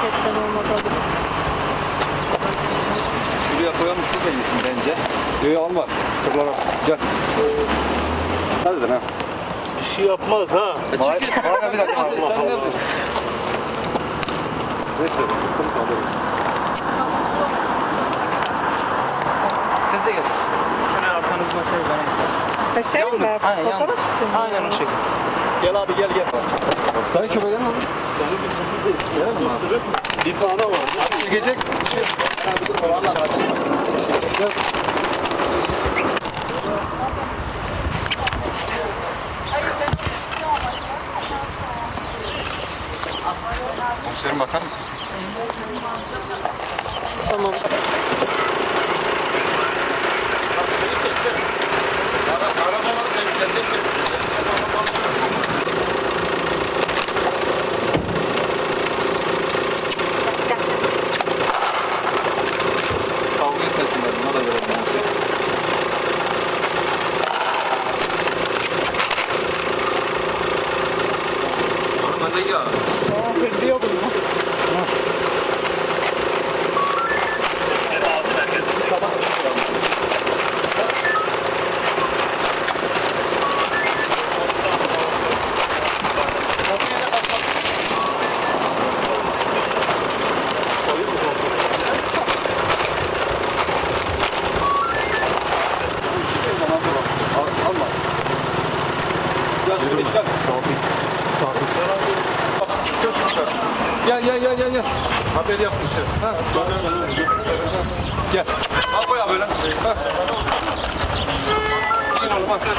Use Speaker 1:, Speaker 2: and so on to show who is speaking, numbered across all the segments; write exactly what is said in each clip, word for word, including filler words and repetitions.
Speaker 1: Etten olmadı.
Speaker 2: Şuraya koyalım, şurada yesin bence. Yok alma. Kırlara. Gel. Hadi lan.
Speaker 3: Bir şey yapmaz ha.
Speaker 2: Bana bir dakika. Sen ne yaptın? Neyse. Kırım kaldırın. Siz de gelirsiniz.
Speaker 3: Şuna arkanızı dönseniz bana yeter.
Speaker 1: Ha, şey mi?
Speaker 3: Aynen,
Speaker 1: Fotoğraf
Speaker 3: yan-
Speaker 1: için mi?
Speaker 3: Aynen o şekilde.
Speaker 2: Gel abi gel gel. Sen köpeğden al.
Speaker 3: Bir tane var.
Speaker 2: Çekecek. Komiserim bakar mısın?
Speaker 1: Tamam.
Speaker 2: Kavga etmesinler. Buna da verelim komiserim. Hadi ya.
Speaker 1: Aa, kırıyor bunu.
Speaker 2: Alma. Gel Sümeyye gel. Gel gel gel gel gel.
Speaker 4: Haber yapmışım.
Speaker 2: Ha. Gel. Al koy abi böyle. Ha. Gel oğlum al.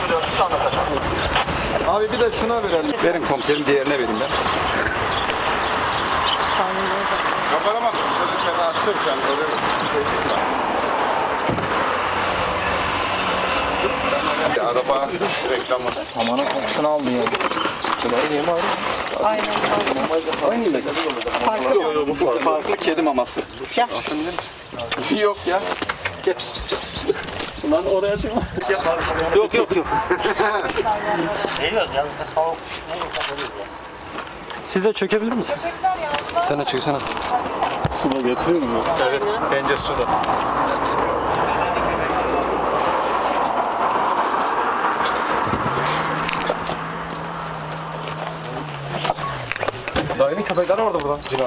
Speaker 2: Abi bir de şuna verelim. Verin komiserim, diğerine vereyim ben.
Speaker 4: Kamerama şöyle açırsan öyle bir şey değil mi? Araba reklamı.
Speaker 3: Amanın kokusunu aldı ya.
Speaker 1: Aynen.
Speaker 2: Aynı yemek.
Speaker 1: Farklı mı?
Speaker 2: Farklı kedi maması.
Speaker 1: Gel.
Speaker 2: Yok ya. Gel pis pis pis pis.
Speaker 3: Lan oraya çıkma. Yok yok yok.
Speaker 2: Siz de çökebilir misiniz? Sen de çöksene.
Speaker 3: Sula getiriyor mu?
Speaker 2: Evet, bence suda. Dayının köpekleri vardı burada.